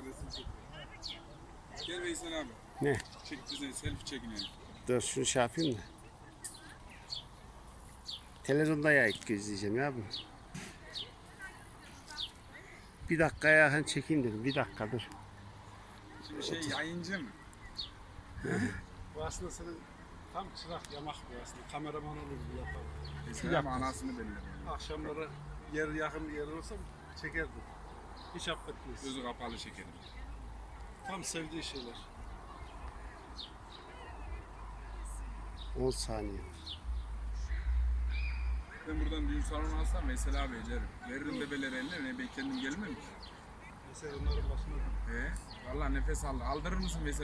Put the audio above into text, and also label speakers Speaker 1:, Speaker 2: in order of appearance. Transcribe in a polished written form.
Speaker 1: resim çekiyor. Gel Veysel abi.
Speaker 2: Ne?
Speaker 1: Çek bize selfie çekinelim.
Speaker 2: Dur şunu şey yapayım da. Televizyonda ya izleyeceğim ya bunu. Bir dakikaya yakın çekeyim dedim. Bir dakika dur.
Speaker 1: Şimdi yayıncı mı?
Speaker 3: Bu aslında senin tam çırak yamak bu aslında. Kameraman olur bu yapar.
Speaker 1: Veysel abi anasını belirler.
Speaker 3: Akşamları yer yakın bir yer olsa çekerdim. Hiç affetmez.
Speaker 1: Gözü kapalı çekelim.
Speaker 3: Tam sevdiği şeyler.
Speaker 2: 10 saniye.
Speaker 1: Ben buradan düğün salonu alsam Veysel abi ecerim. Veririm bebeleri eline, ne ben kendim gelmem ki.
Speaker 3: Mesela onların başına
Speaker 1: Vallahi nefes al. Aldırır mısın Veysel